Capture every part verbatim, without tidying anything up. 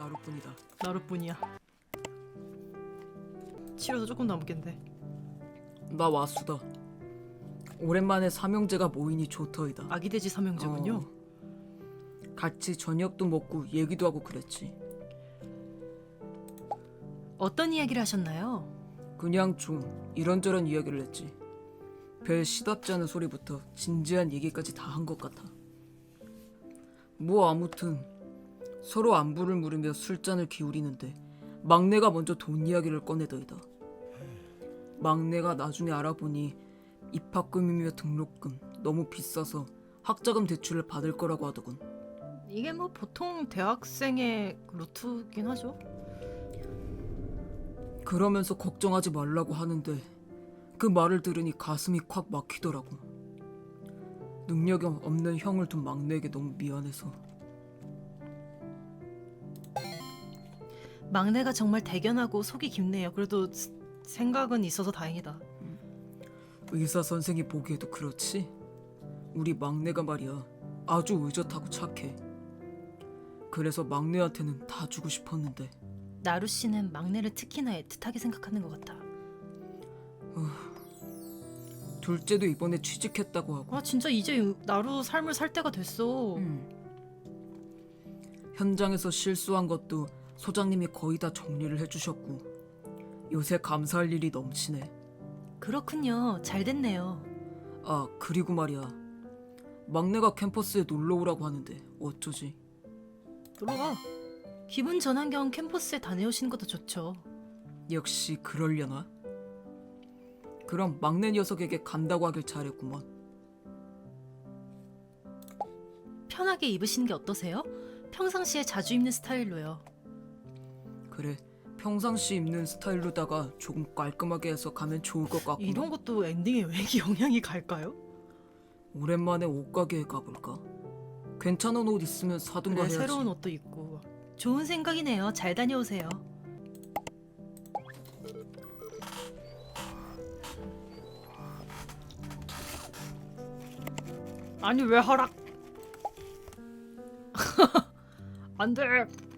나루뿐이다. 나루뿐이야. 치료도 조금 남겠네. 나 와수다. 오랜만에 삼형제가 모이니 좋더이다. 아기돼지 삼형제군요. 어, 같이 저녁도 먹고 얘기도 하고 그랬지. 어떤 이야기를 하셨나요? 그냥 좀 이런저런 이야기를 했지. 별 시답지 않은 소리부터 진지한 얘기까지 다 한 것 같아. 뭐 아무튼 서로 안부를 물으며 술잔을 기울이는데 막내가 먼저 돈 이야기를 꺼내더이다. 막내가 나중에 알아보니 입학금이며 등록금 너무 비싸서 학자금 대출을 받을 거라고 하더군. 이게 뭐 보통 대학생의 루트긴 하죠. 그러면서 걱정하지 말라고 하는데 그 말을 들으니 가슴이 콱 막히더라고. 능력이 없는 형을 둔 막내에게 너무 미안해서. 막내가 정말 대견하고 속이 깊네요. 그래도 생각은 있어서 다행이다. 의사 선생이 보기에도 그렇지? 우리 막내가 말이야 아주 의젓하고 착해. 그래서 막내한테는 다 주고 싶었는데. 나루 씨는 막내를 특히나 애틋하게 생각하는 것 같아. 둘째도 이번에 취직했다고 하고. 아 진짜 이제 나루 삶을 살 때가 됐어. 음. 현장에서 실수한 것도 소장님이 거의 다 정리를 해주셨고 요새 감사할 일이 넘치네. 그렇군요. 잘 됐네요. 아 그리고 말이야 막내가 캠퍼스에 놀러 오라고 하는데 어쩌지? 놀러가. 기분 전환 겸 캠퍼스에 다녀오시는 것도 좋죠. 역시 그러려나? 그럼 막내 녀석에게 간다고 하길 잘했구먼. 편하게 입으시는 게 어떠세요? 평상시에 자주 입는 스타일로요. 그래 평상시 입는 스타일로다가 조금 깔끔하게 해서 가면 좋을 것 같구나. 이런 것도 엔딩에 왜 영향이 갈까요? 오랜만에 옷가게에 가볼까? 괜찮은 옷 있으면 사든가 그래, 해야지. 새로운 옷도 입고. 좋은 생각이네요. 잘 다녀오세요. 아니 왜 허락? 안 돼.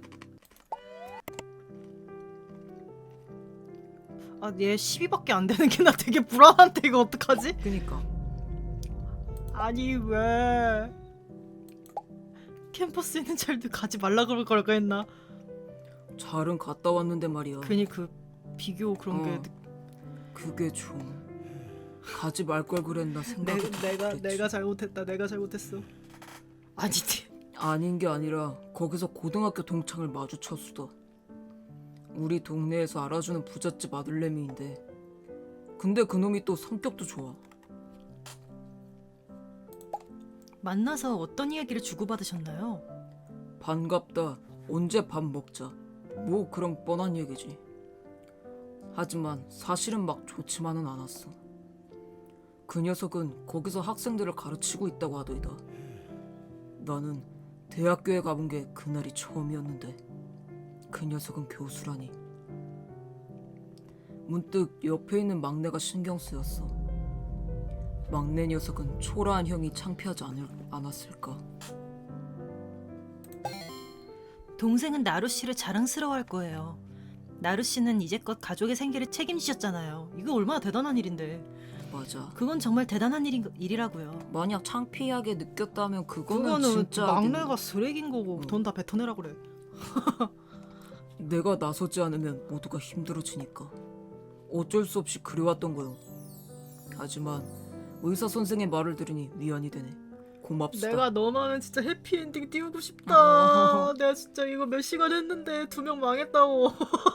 아, 얘 십이밖에 안 되는 게 나 되게 불안한데 이거 어떡하지? 그니까 아니 왜? 캠퍼스 있는 자리도 가지 말라 그럴 걸까 했나? 잘은 갔다 왔는데 말이야. 괜히 그 비교 그런 어, 게 그게 좀 가지 말 걸 그랬나 내, 생각이 내가 그랬지. 내가 잘못했다. 내가 잘못했어. 아니 아닌 게 아니라 거기서 고등학교 동창을 마주쳤수다. 우리 동네에서 알아주는 부잣집 아들내미인데 근데 그놈이 또 성격도 좋아. 만나서 어떤 이야기를 주고받으셨나요? 반갑다. 언제 밥 먹자. 뭐 그런 뻔한 얘기지. 하지만 사실은 막 좋지만은 않았어. 그 녀석은 거기서 학생들을 가르치고 있다고 하더이다. 나는 대학교에 가본 게 그날이 처음이었는데 그 녀석은 교수라니. 문득 옆에 있는 막내가 신경 쓰였어. 막내 녀석은 초라한 형이 창피하지 않을, 않았을까? 동생은 나루 씨를 자랑스러워할 거예요. 나루 씨는 이제껏 가족의 생계를 책임지셨잖아요. 이거 얼마나 대단한 일인데. 맞아. 그건 정말 대단한 일인, 일이라고요. 만약 창피하게 느꼈다면 그거는, 그거는 진짜 막내가 쓰레기인 거고 응. 돈 다 뱉어내라 그래. 내가 나서지 않으면 모두가 힘들어지니까 어쩔 수 없이 그래왔던 거요. 하지만 의사 선생의 말을 들으니 위안이 되네. 고맙수다. 내가 너만은 진짜 해피엔딩 띄우고 싶다. 내가 진짜 이거 몇 시간 했는데 두 명 망했다고.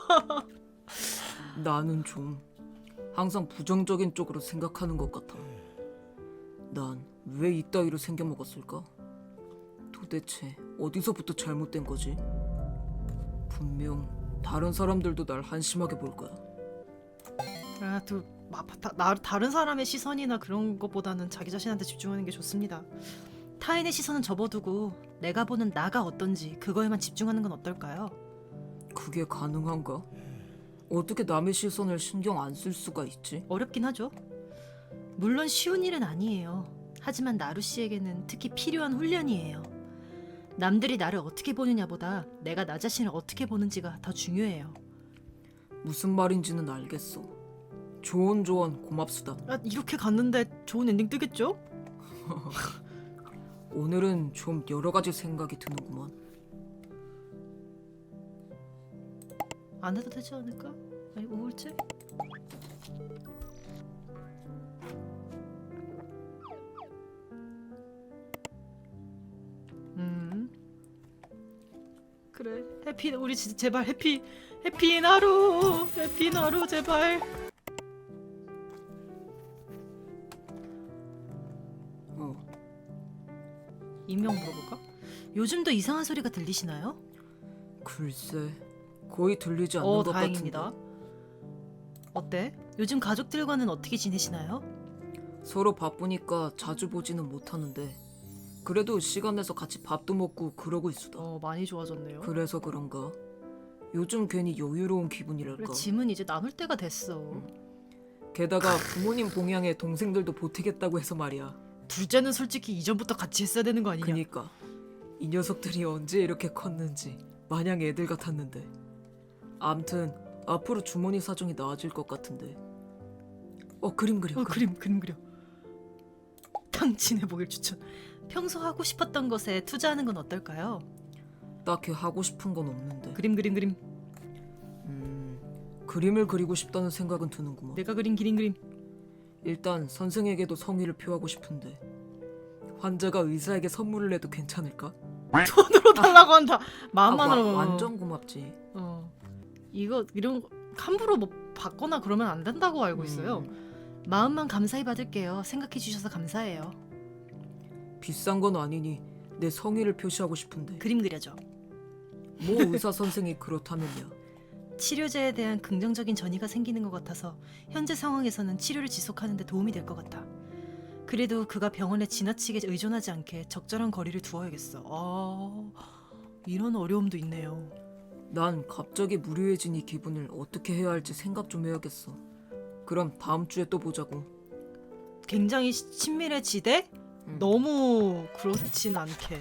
나는 좀 항상 부정적인 쪽으로 생각하는 것 같아. 난 왜 이따위로 생겨먹었을까? 도대체 어디서부터 잘못된 거지? 분명 다른 사람들도 날 한심하게 볼 거야. 아, 또 마- 다, 나, 다른 사람의 시선이나 그런 것보다는 자기 자신한테 집중하는 게 좋습니다. 타인의 시선은 접어두고 내가 보는 나가 어떤지 그거에만 집중하는 건 어떨까요? 그게 가능한가? 어떻게 남의 시선을 신경 안 쓸 수가 있지? 어렵긴 하죠. 물론 쉬운 일은 아니에요. 하지만 나루 씨에게는 특히 필요한 훈련이에요. 남들이 나를 어떻게 보느냐보다 내가 나 자신을 어떻게 보는지가 더 중요해요. 무슨 말인지는 알겠어. 좋은 조언 고맙수다. 아, 이렇게 갔는데 좋은 엔딩 뜨겠죠? 오늘은 좀 여러 가지 생각이 드는구만. 안 해도 되지 않을까? 아니 우울증? 음 그래 해피 우리 진짜 제발 해피 해피인 하루 해피인 하루 제발. 어, 익명 물어볼까? 요즘도 이상한 소리가 들리시나요? 글쎄, 거의 들리지 않는 어 것 다행입니다. 같은데. 어때? 요즘 가족들과는 어떻게 지내시나요? 서로 바쁘니까 자주 보지는 못하는데 그래도 시간 내서 같이 밥도 먹고 그러고 있수다. 어 많이 좋아졌네요. 그래서 그런가? 요즘 괜히 여유로운 기분이랄까. 그래 짐은 이제 나눌 때가 됐어. 게다가 부모님 봉양에 동생들도 보태겠다고 해서 말이야. 둘째는 솔직히 이전부터 같이 했어야 되는 거 아니냐? 그니까 이 녀석들이 언제 이렇게 컸는지 마냥 애들 같았는데. 암튼 앞으로 주머니 사정이 나아질 것 같은데. 어 그림 그려. 어 그림 그림 그려. 당신의 보길 추천. 평소 하고 싶었던 것에 투자하는 건 어떨까요? 딱히 하고 싶은 건 없는데. 그림 그림 그림. 음, 그림을 그리고 싶다는 생각은 드는구먼. 내가 그린 기린 그림. 일단 선생에게도 성의를 표하고 싶은데 환자가 의사에게 선물을 해도 괜찮을까? 돈으로 달라고 한다. 아, 마음만으로. 와, 완전 고맙지. 어. 이거 이런 거 함부로 뭐 받거나 그러면 안 된다고 알고 있어요. 음, 마음만 감사히 받을게요. 생각해 주셔서 감사해요. 비싼 건 아니니 내 성의를 표시하고 싶은데 그림 그려줘. 뭐 의사 선생이 그렇다면야. 치료제에 대한 긍정적인 전이가 생기는 것 같아서 현재 상황에서는 치료를 지속하는 데 도움이 될 것 같아. 그래도 그가 병원에 지나치게 의존하지 않게 적절한 거리를 두어야겠어. 아, 이런 어려움도 있네요. 난 갑자기 무료해진 이 기분을 어떻게 해야 할지 생각 좀 해야겠어. 그럼 다음 주에 또 보자고. 굉장히 시- 친밀해지되 음. 너무 그렇진 않게.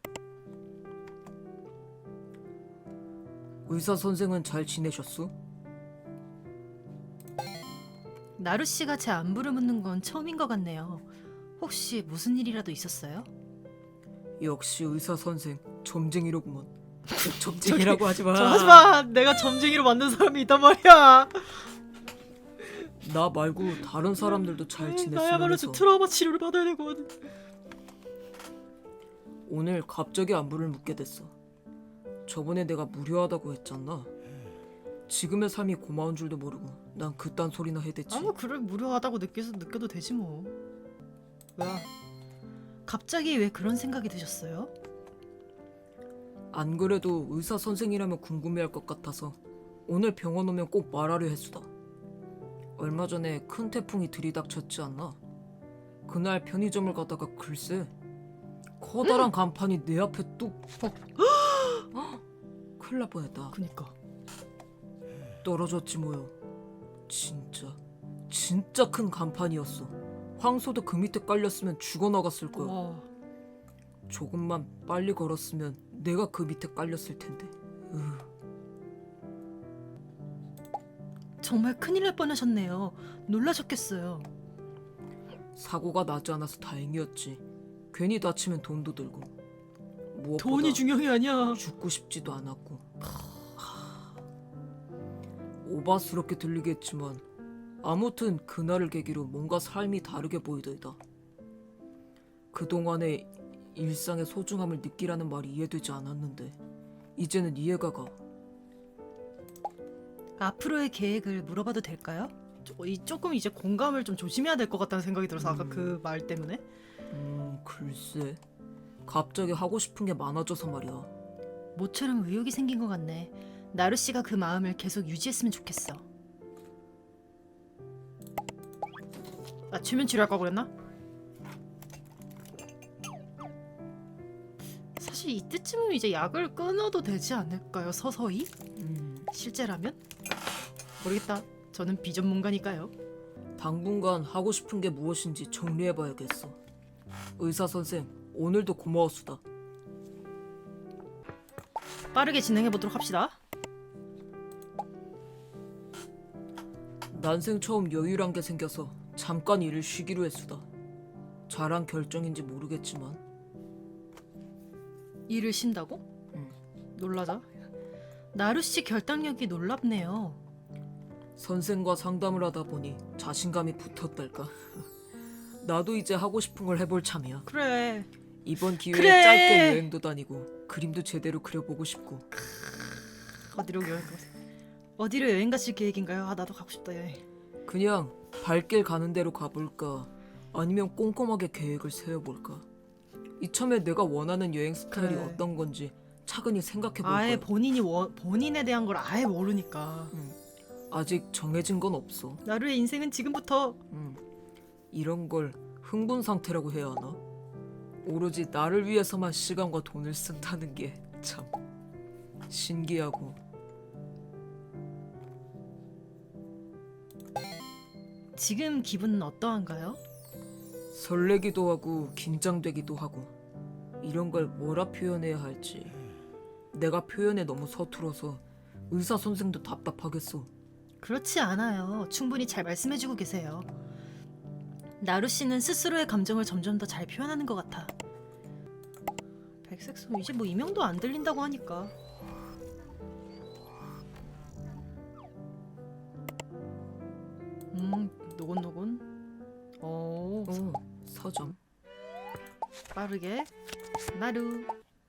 의사 선생은 잘 지내셨어? 나루 씨가 제 안부를 묻는 건 처음인 것 같네요. 혹시 무슨 일이라도 있었어요? 역시 의사 선생 점쟁이로구먼. 점쟁이라고 하지 마. 저 하지마. 내가 점쟁이로 만든 사람이 있단 말이야. 나 말고 다른 사람들도 잘 지냈으면 나야말로 해서. 지금 트라우마 치료를 받아야 되거든. 오늘 갑자기 안부를 묻게 됐어. 저번에 내가 무료하다고 했잖아. 지금의 삶이 고마운 줄도 모르고 난 그딴 소리나 해댔지. 아무 그래 무료하다고 느껴서 느껴도 되지 뭐. 뭐야? 갑자기 왜 그런 생각이 드셨어요? 안 그래도 의사 선생이라면 궁금해할 것 같아서 오늘 병원 오면 꼭 말하려 했수다. 얼마 전에 큰 태풍이 들이닥쳤지 않나? 그날 편의점을 가다가 글쎄 커다란 간판이 내 앞에 뚝 큰일 날 뻔했다. 그니까. 떨어졌지 뭐요. 진짜 진짜 큰 간판이었어. 황소도 그 밑에 깔렸으면 죽어나갔을 거야. 와. 조금만 빨리 걸었으면 내가 그 밑에 깔렸을 텐데. 으. 정말 큰일 날 뻔하셨네요. 놀라셨겠어요. 사고가 나지 않아서 다행이었지. 괜히 다치면 돈도 들고. 무엇보다 돈이 중요한 게 아니야. 죽고 싶지도 않았고. 하... 오바스럽게 들리겠지만 아무튼 그날을 계기로 뭔가 삶이 다르게 보이더이다. 그동안의 일상의 소중함을 느끼라는 말이 이해되지 않았는데 이제는 이해가 가. 앞으로의 계획을 물어봐도 될까요? 조, 이 조금 이제 공감을 좀 조심해야 될 것 같다는 생각이 들어서 아까 음. 그 말 때문에. 음 글쎄 갑자기 하고 싶은 게 많아져서 말이야. 모처럼 의욕이 생긴 것 같네. 나루 씨가 그 마음을 계속 유지했으면 좋겠어. 아 최면 치료할 걸 그랬나? 사실 이때쯤은 이제 약을 끊어도 되지 않을까요? 서서히? 음, 실제라면? 모르겠다. 저는 비전문가니까요. 당분간 하고 싶은 게 무엇인지 정리해봐야겠어. 의사 선생 오늘도 고마웠수다. 빠르게 진행해 보도록 합시다. 난생 처음 여유란 게 생겨서 잠깐 일을 쉬기로 했수다. 잘한 결정인지 모르겠지만 일을 쉰다고? 응. 놀라자. 나루씨 결단력이 놀랍네요. 선생과 상담을 하다 보니 자신감이 붙었달까. 나도 이제 하고 싶은 걸 해볼 참이야. 그래. 이번 기회에 그래. 짧게 여행도 다니고 그림도 제대로 그려보고 싶고. 어디로 여행 가? 어디로 여행 가실 계획인가요? 아 나도 가고 싶다 여행. 그냥 발길 가는 대로 가볼까 아니면 꼼꼼하게 계획을 세워볼까. 이참에 내가 원하는 여행 스타일이 그래. 어떤 건지 차근히 생각해볼 아예 거야. 본인이 원, 본인에 대한 걸 아예 모르니까. 아직 정해진 건 없어. 나루의 인생은 지금부터. 음, 이런 걸 흥분 상태라고 해야 하나? 오로지 나를 위해서만 시간과 돈을 쓴다는 게 참 신기하고. 지금 기분은 어떠한가요? 설레기도 하고 긴장되기도 하고. 이런 걸 뭐라 표현해야 할지. 내가 표현에 너무 서툴어서 의사 선생도 답답하겠어. 그렇지 않아요. 충분히 잘 말씀해주고 계세요. 나루 씨는 스스로의 감정을 점점 더 잘 표현하는 것 같아. 백색소 이제 뭐 이명도 안 들린다고 하니까. 음 노곤노곤. 오 어, 서점. 빠르게 나루.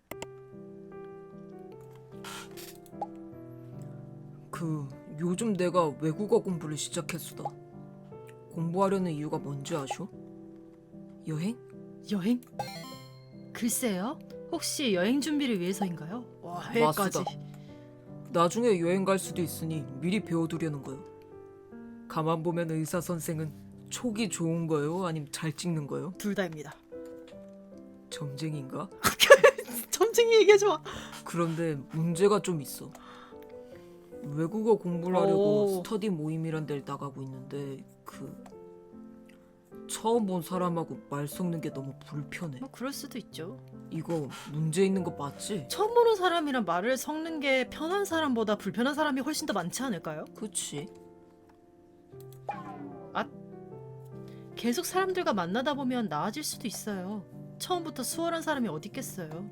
그 요즘 내가 외국어 공부를 시작했수다. 공부하려는 이유가 뭔지 아쇼? 여행? 여행? 글쎄요. 혹시 여행 준비를 위해서인가요? 와 해까지. 맞수다. 나중에 여행 갈 수도 있으니 미리 배워두려는 거요. 가만 보면 의사 선생은 촉이 좋은 거요? 아님 잘 찍는 거요? 둘 다입니다. 점쟁인가? 점쟁이 얘기하지 마. 그런데 문제가 좀 있어. 외국어 공부를 하려고 오. 스터디 모임이란 데를 나가고 있는데 그 처음 본 사람하고 말 섞는 게 너무 불편해. 뭐 그럴 수도 있죠. 이거 문제 있는 거 맞지? 처음 보는 사람이랑 말을 섞는 게 편한 사람보다 불편한 사람이 훨씬 더 많지 않을까요? 그치? 계속 사람들과 만나다 보면 나아질 수도 있어요. 처음부터 수월한 사람이 어디 있겠어요.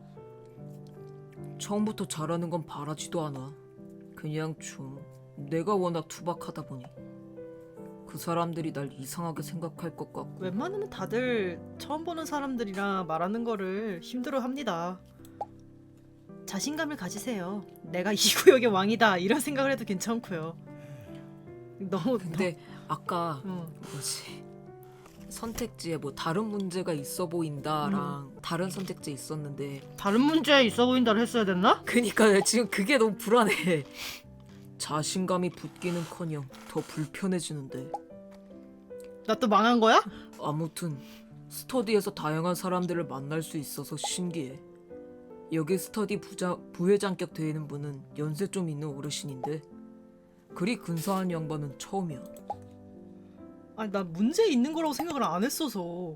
처음부터 잘하는 건 바라지도 않아. 그냥 좀 내가 워낙 투박하다 보니 그 사람들이 날 이상하게 생각할 것 같고. 웬만하면 다들 처음 보는 사람들이랑 말하는 거를 힘들어합니다. 자신감을 가지세요. 내가 이 구역의 왕이다 이런 생각을 해도 괜찮고요. 너무 근데 아까 너, 어. 뭐지? 선택지에 뭐 다른 문제가 있어 보인다랑 다른 선택지 있었는데 다른 문제 있어 보인다를 했어야 됐나? 그니까 지금 그게 너무 불안해. 자신감이 붙기는커녕 더 불편해지는데. 나 또 망한 거야? 아무튼 스터디에서 다양한 사람들을 만날 수 있어서 신기해. 여기 스터디 부자, 부회장격 되는 분은 연세 좀 있는 어르신인데 그리 근사한 양반은 처음이야. 아니 나 문제 있는 거라고 생각을 안 했어서.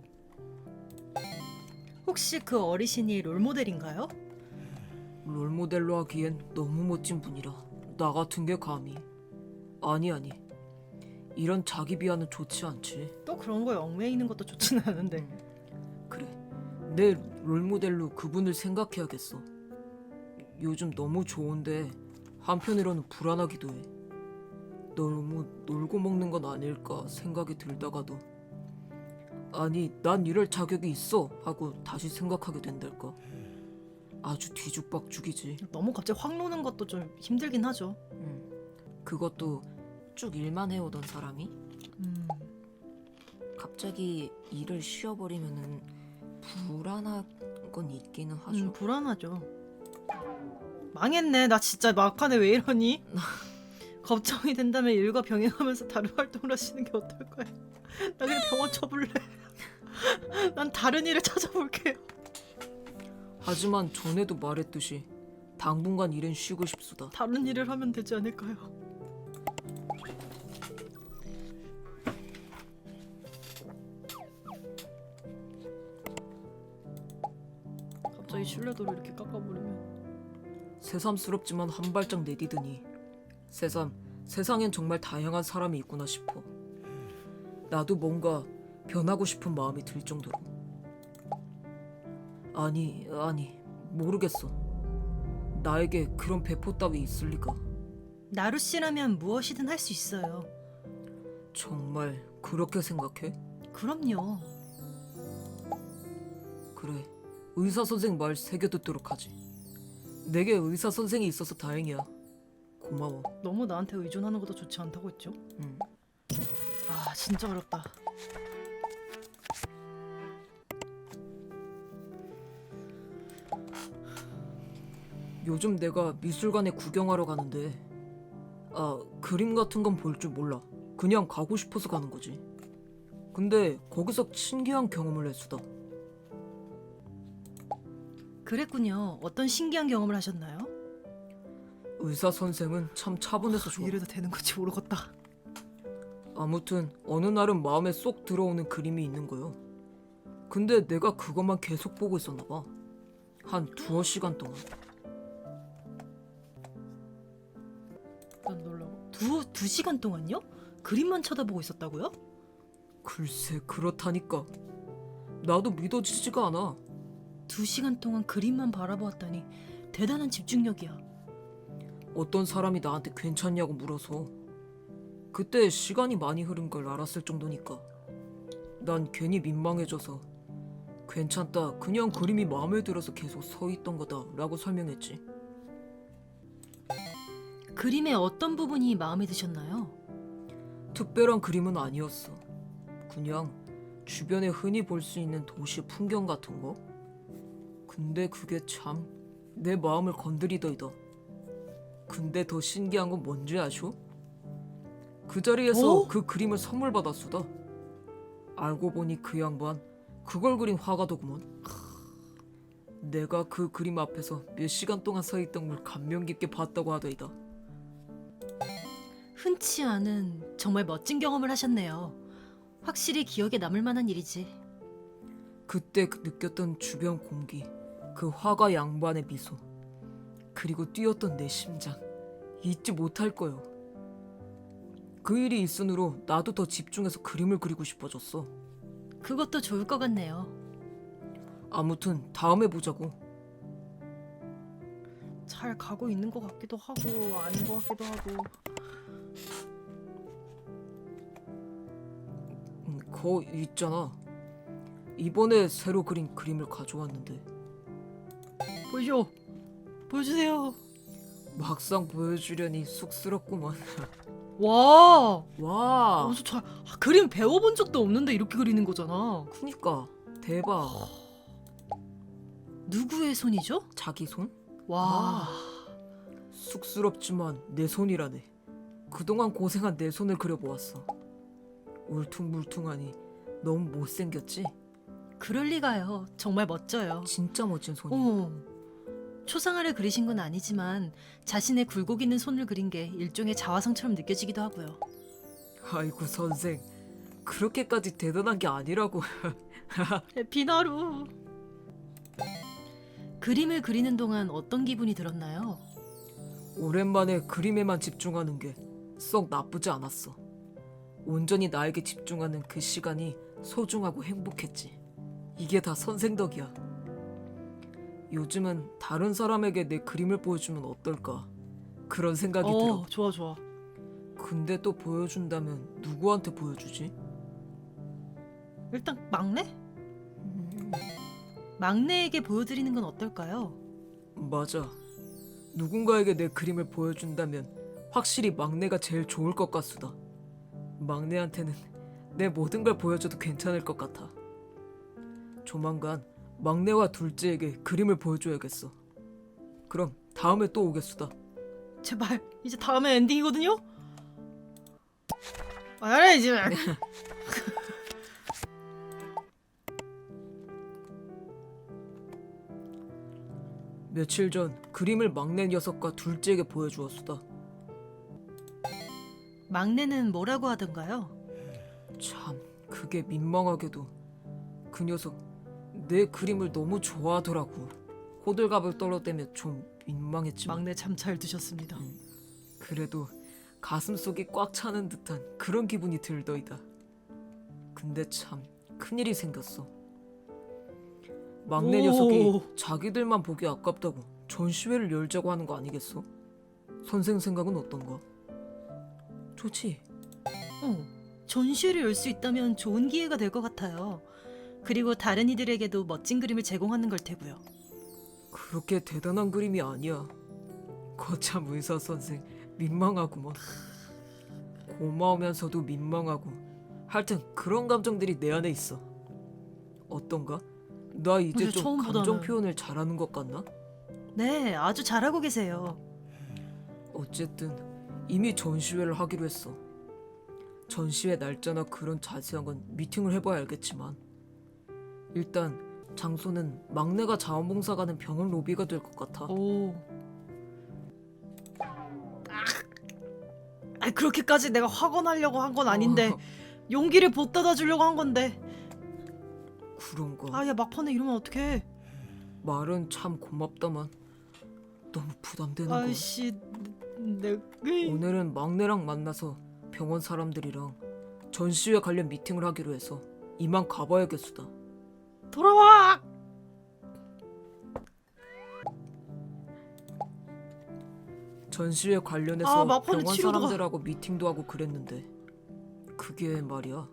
혹시 그 어르신이 롤모델인가요? 롤모델로 하기엔 너무 멋진 분이라 나 같은 게 감히. 아니 아니, 이런 자기 비하는 좋지 않지. 또 그런 거에 얽매여 있는 것도 좋지는 않은데. 그래, 내 롤모델로 그분을 생각해야겠어. 요즘 너무 좋은데 한편으로는 불안하기도 해. 너무 놀고 먹는 건 아닐까 생각이 들다가도 아니 난 이럴 자격이 있어 하고 다시 생각하게 된달까. 아주 뒤죽박죽이지. 너무 갑자기 확 노는 것도 좀 힘들긴 하죠. 음, 그것도 쭉 일만 해오던 사람이 음. 갑자기 일을 쉬어버리면은 불안한 건 있기는 하죠. 음, 불안하죠. 망했네. 나 진짜 막판에 왜 이러니? 걱정이 된다면 일과 병행하면서 다른 활동을 하시는 게 어떨 거야? 나 그냥 병원 쳐볼래. 난 다른 일을 찾아볼게요. 하지만 전에도 말했듯이 당분간 일은 쉬고 싶수다. 다른 일을 하면 되지 않을까요? 갑자기 신뢰도를 이렇게 깎아버리면 새삼스럽지만 한 발짝 내디드니 새삼 세상엔 정말 다양한 사람이 있구나 싶어. 나도 뭔가 변하고 싶은 마음이 들 정도로. 아니 아니 모르겠어. 나에게 그런 배포 따위 있을 리가. 나루 씨라면 무엇이든 할 수 있어요. 정말 그렇게 생각해? 그럼요. 그래, 의사 선생 말 새겨 듣도록 하지. 내게 의사 선생이 있어서 다행이야. 고마워. 너무 나한테 의존하는 것도 좋지 않다고 했죠? 응. 아 진짜 어렵다. 요즘 내가 미술관에 구경하러 가는데 아 그림 같은 건 볼 줄 몰라. 그냥 가고 싶어서 가는 거지. 근데 거기서 신기한 경험을 했수다. 그랬군요. 어떤 신기한 경험을 하셨나요? 의사 선생은 참 차분해서 좋아. 이래도 되는 건지 모르겠다. 아무튼 어느 날은 마음에 쏙 들어오는 그림이 있는 거요. 근데 내가 그것만 계속 보고 있었나 봐. 한 두어 시간 동안. 난 놀라워. 두, 두 시간 동안요? 그림만 쳐다보고 있었다고요? 글쎄 그렇다니까. 나도 믿어지지가 않아. 두 시간 동안 그림만 바라보았다니 대단한 집중력이야. 어떤 사람이 나한테 괜찮냐고 물어서 그때 시간이 많이 흐른 걸 알았을 정도니까 난 괜히 민망해져서 괜찮다, 그냥 그림이 마음에 들어서 계속 서 있던 거다 라고 설명했지. 그림의 어떤 부분이 마음에 드셨나요? 특별한 그림은 아니었어. 그냥 주변에 흔히 볼 수 있는 도시 풍경 같은 거. 근데 그게 참 내 마음을 건드리더이다. 근데 더 신기한 건 뭔지 아쇼? 그 자리에서 어? 그 그림을 선물 받았수다. 알고 보니 그 양반 그걸 그린 화가더구먼. 내가 그 그림 앞에서 몇 시간 동안 서 있던 걸 감명 깊게 봤다고 하더이다. 흔치 않은 정말 멋진 경험을 하셨네요. 확실히 기억에 남을 만한 일이지. 그때 그 느꼈던 주변 공기, 그 화가 양반의 미소, 그리고 뛰었던 내 심장, 잊지 못할 거요. 그 일이 있으므로 나도 더 집중해서 그림을 그리고 싶어졌어. 그것도 좋을 것 같네요. 아무튼 다음에 보자고. 잘 가고 있는 것 같기도 하고 아닌 것 같기도 하고. 음, 거 있잖아. 이번에 새로 그린 그림을 가져왔는데 보여줘. 보여주세요. 막상 보여주려니 쑥스럽구만. 와. 와, 아주 잘 아, 그림 배워본 적도 없는데 이렇게 그리는 거잖아. 그니까 대박. 누구의 손이죠? 자기 손? 와. 쑥스럽지만 내 손이라네. 그동안 고생한 내 손을 그려보았어. 울퉁불퉁하니 너무 못생겼지? 그럴 리가요. 정말 멋져요. 진짜 멋진 손이. 어. 초상화를 그리신 건 아니지만 자신의 굴곡 있는 손을 그린 게 일종의 자화상처럼 느껴지기도 하고요. 아이고 선생, 그렇게까지 대단한 게 아니라고. 비나루. 그림을 그리는 동안 어떤 기분이 들었나요? 오랜만에 그림에만 집중하는 게 썩 나쁘지 않았어. 온전히 나에게 집중하는 그 시간이 소중하고 행복했지. 이게 다 선생 덕이야. 요즘은 다른 사람에게 내 그림을 보여주면 어떨까, 그런 생각이 어, 들어. 좋아 좋아. 근데 또 보여준다면 누구한테 보여주지? 일단 막내? 막내에게 보여드리는 건 어떨까요? 맞아. 누군가에게 내 그림을 보여준다면 확실히 막내가 제일 좋을 것 같수다. 막내한테는 내 모든 걸 보여줘도 괜찮을 것 같아. 조만간 막내와 둘째에게 그림을 보여줘야겠어. 그럼 다음에 또 오겠수다. 제발 이제 다음에 엔딩이거든요? 알아 이제. 며칠 전 그림을 막내 녀석과 둘째에게 보여주었수다. 막내는 뭐라고 하던가요? 참, 그게 민망하게도 그 녀석 내 그림을 너무 좋아하더라고. 호들갑을 떨어대며 좀 민망했지만 막내 참 잘 두셨습니다. 음, 그래도 가슴속이 꽉 차는 듯한 그런 기분이 들더이다. 근데 참 큰일이 생겼어. 막내 오. 녀석이 자기들만 보기 아깝다고 전시회를 열자고 하는 거 아니겠어? 선생 생각은 어떤가? 좋지. 어, 전시회를 열 수 있다면 좋은 기회가 될 것 같아요. 그리고 다른 이들에게도 멋진 그림을 제공하는 걸 테고요. 그렇게 대단한 그림이 아니야. 거참 의사 선생 민망하구먼. 고마우면서도 민망하고 하여튼 그런 감정들이 내 안에 있어. 어떤가? 나 이제 근데 좀 처음보다는- 감정 표현을 잘하는 것 같나? 네, 아주 잘하고 계세요. 어쨌든 이미 전시회를 하기로 했어. 전시회 날짜나 그런 자세한 건 미팅을 해봐야 알겠지만 일단 장소는 막내가 자원봉사 가는 병원 로비가 될 것 같아. 오. 아, 그렇게까지 내가 화가 나려고 한 건 아닌데 어, 용기를 보따다 주려고 한 건데. 그런가? 아, 야 막판에 이러면 어떡해? 말은 참 고맙다만 너무 부담되는 거. 아이씨, 내 오늘은 막내랑 만나서 병원 사람들이랑 전시회 관련 미팅을 하기로 해서 이만 가봐야겠수다. 돌아와. 전시회 아, 관련해서 막판에 병원 치료도가- 사람들하고 미팅도 하고 그랬는데 그게 말이야.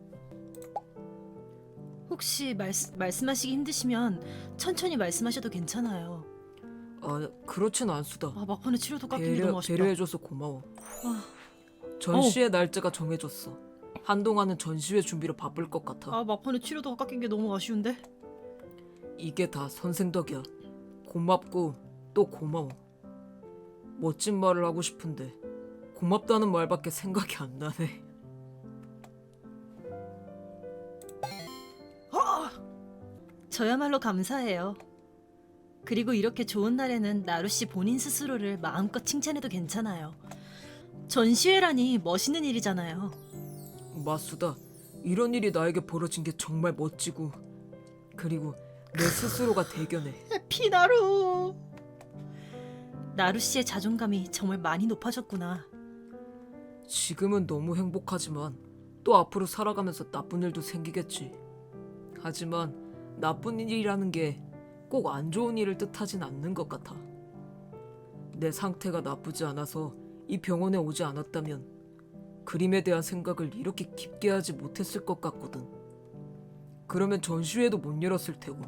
혹시 말씀 말씀하시기 힘드시면 천천히 말씀하셔도 괜찮아요. 아 그렇진 않수다. 아, 막판에 치료도 깎이기 배려, 너무 아쉽다. 배려해줘서 고마워. 아, 전시회 날짜가 정해졌어. 한동안은 전시회 준비로 바쁠 것 같아. 아, 막판에 치료도 깎인 게 너무 아쉬운데. 이게 다 선생 덕이야. 고맙고 또 고마워. 멋진 말을 하고 싶은데 고맙다는 말밖에 생각이 안 나네. 저야말로 감사해요. 그리고 이렇게 좋은 날에는 나루 씨 본인 스스로를 마음껏 칭찬해도 괜찮아요. 전시회라니 멋있는 일이잖아요. 마수다. 이런 일이 나에게 벌어진 게 정말 멋지고 그리고 내 스스로가 대견해. 피나루. 나루 씨의 자존감이 정말 많이 높아졌구나. 지금은 너무 행복하지만 또 앞으로 살아가면서 나쁜 일도 생기겠지. 하지만 나쁜 일이라는 게 꼭 안 좋은 일을 뜻하진 않는 것 같아. 내 상태가 나쁘지 않아서 이 병원에 오지 않았다면 그림에 대한 생각을 이렇게 깊게 하지 못했을 것 같거든. 그러면 전시회도 못 열었을 테고.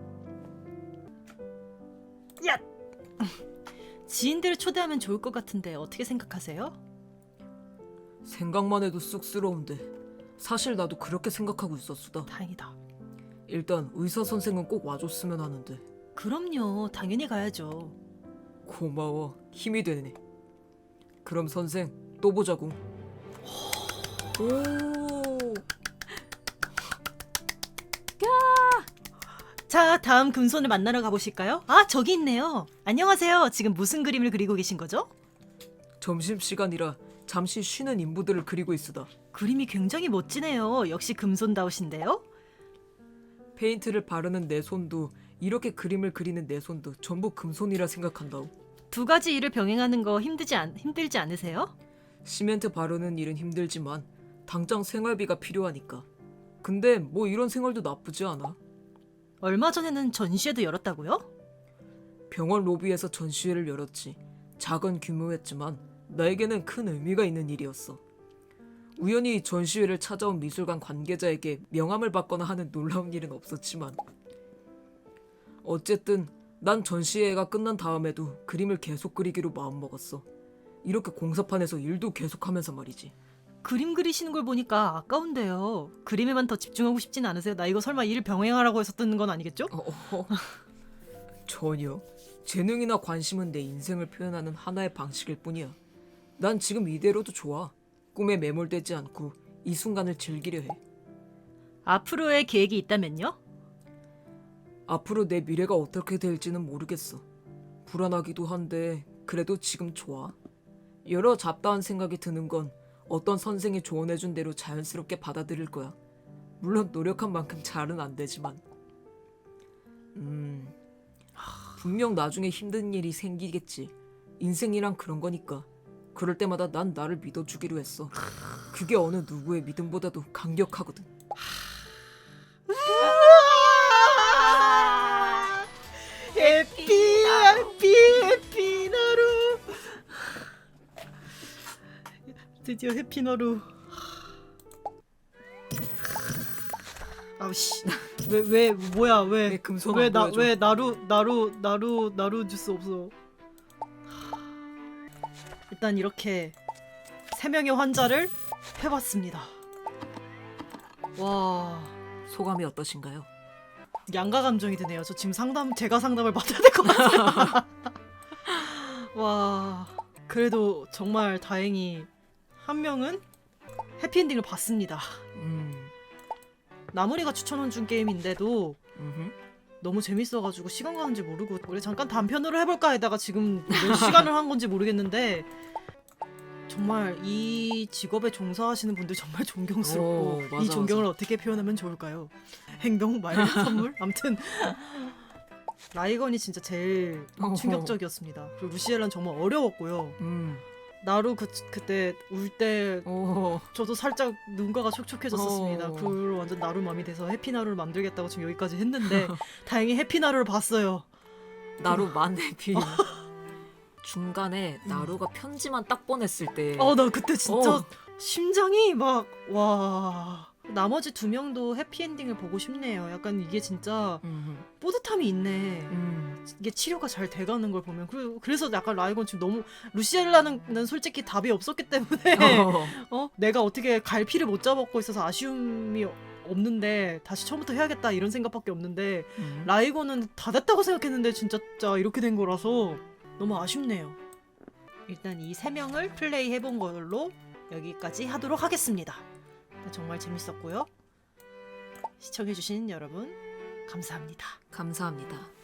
야! 지인들을 초대하면 좋을 것 같은데 어떻게 생각하세요? 생각만 해도 쑥스러운데 사실 나도 그렇게 생각하고 있었수다. 다행이다. 일단 의사 선생은 꼭 와줬으면 하는데. 그럼요. 당연히 가야죠. 고마워. 힘이 되네. 그럼 선생 또 보자고. 오. 자, 다음 금손을 만나러 가보실까요? 아, 저기 있네요. 안녕하세요. 지금 무슨 그림을 그리고 계신 거죠? 점심시간이라 잠시 쉬는 인부들을 그리고 있으다. 그림이 굉장히 멋지네요. 역시 금손다우신데요? 페인트를 바르는 내 손도 이렇게 그림을 그리는 내 손도 전부 금손이라 생각한다. 두 가지 일을 병행하는 거 힘들지 않, 힘들지 않으세요? 시멘트 바르는 일은 힘들지만 당장 생활비가 필요하니까. 근데 뭐 이런 생활도 나쁘지 않아. 얼마 전에는 전시회도 열었다고요? 병원 로비에서 전시회를 열었지. 작은 규모였지만 나에게는 큰 의미가 있는 일이었어. 우연히 전시회를 찾아온 미술관 관계자에게 명함을 받거나 하는 놀라운 일은 없었지만 어쨌든 난 전시회가 끝난 다음에도 그림을 계속 그리기로 마음먹었어. 이렇게 공사판에서 일도 계속하면서 말이지. 그림 그리시는 걸 보니까 아까운데요. 그림에만 더 집중하고 싶진 않으세요? 나 이거 설마 일 병행하라고 해서 뜨는 건 아니겠죠? 어, 어. 전혀. 재능이나 관심은 내 인생을 표현하는 하나의 방식일 뿐이야. 난 지금 이대로도 좋아. 꿈에 매몰되지 않고 이 순간을 즐기려 해. 앞으로의 계획이 있다면요? 앞으로 내 미래가 어떻게 될지는 모르겠어. 불안하기도 한데 그래도 지금 좋아. 여러 잡다한 생각이 드는 건 어떤 선생이 조언해준 대로 자연스럽게 받아들일 거야. 물론 노력한 만큼 잘은 안 되지만. 음, 분명 나중에 힘든 일이 생기겠지. 인생이란 그런 거니까. 그럴 때마다 난 나를 믿어주기로 했어. 그게 어느 누구의 믿음보다도 강력하거든. 해피 해피 해피나루. 드디어 해피나루. 아우씨. 왜 왜 뭐야 왜 왜 금손 왜 안 나 보여줘? 왜 나루 나루 나루 나루 주스 없어. 일단 이렇게 세 명의 환자를 해봤습니다. 와, 소감이 어떠신가요? 양가 감정이 드네요. 저 지금 상담 제가 상담을 받아야 될 것 같아요. 와, 그래도 정말 다행히 한 명은 해피엔딩을 봤습니다. 음, 나무리가 추천해준 게임인데도 음흠. 너무 재밌어가지고 시간 가는지 모르고 우리 잠깐 단편으로 해볼까 하다가 지금 몇 시간을 한 건지 모르겠는데 정말 이 직업에 종사하시는 분들 정말 존경스럽고 오, 맞아, 이 존경을 맞아. 어떻게 표현하면 좋을까요? 행동, 말, 선물? 아무튼 라이건이 진짜 제일 어허. 충격적이었습니다. 그리고 루시엘은 정말 어려웠고요. 음, 나루 그, 그때 울 때 오, 저도 살짝 눈가가 촉촉해졌었습니다. 어. 그걸로 완전 나루 맘이 돼서 해피나루를 만들겠다고 지금 여기까지 했는데 다행히 해피나루를 봤어요. 나루 만해피. 중간에 나루가 편지만 딱 보냈을 때. 어, 나 그때 진짜 어. 심장이 막 와. 나머지 두 명도 해피엔딩을 보고 싶네요. 약간 이게 진짜 음흠. 뿌듯함이 있네. 음, 이게 치료가 잘 돼가는 걸 보면 그, 그래서 약간 라이건 지금 너무 루시엘라는 솔직히 답이 없었기 때문에 어. 어 내가 어떻게 갈피를 못 잡았고 있어서 아쉬움이 없는데 다시 처음부터 해야겠다 이런 생각밖에 없는데 음. 라이건은 다 됐다고 생각했는데 진짜 짜 이렇게 된 거라서 너무 아쉽네요. 일단 이 세 명을 플레이 해본 걸로 여기까지 하도록 하겠습니다. 정말 재밌었고요. 시청해주신 여러분 감사합니다. 감사합니다.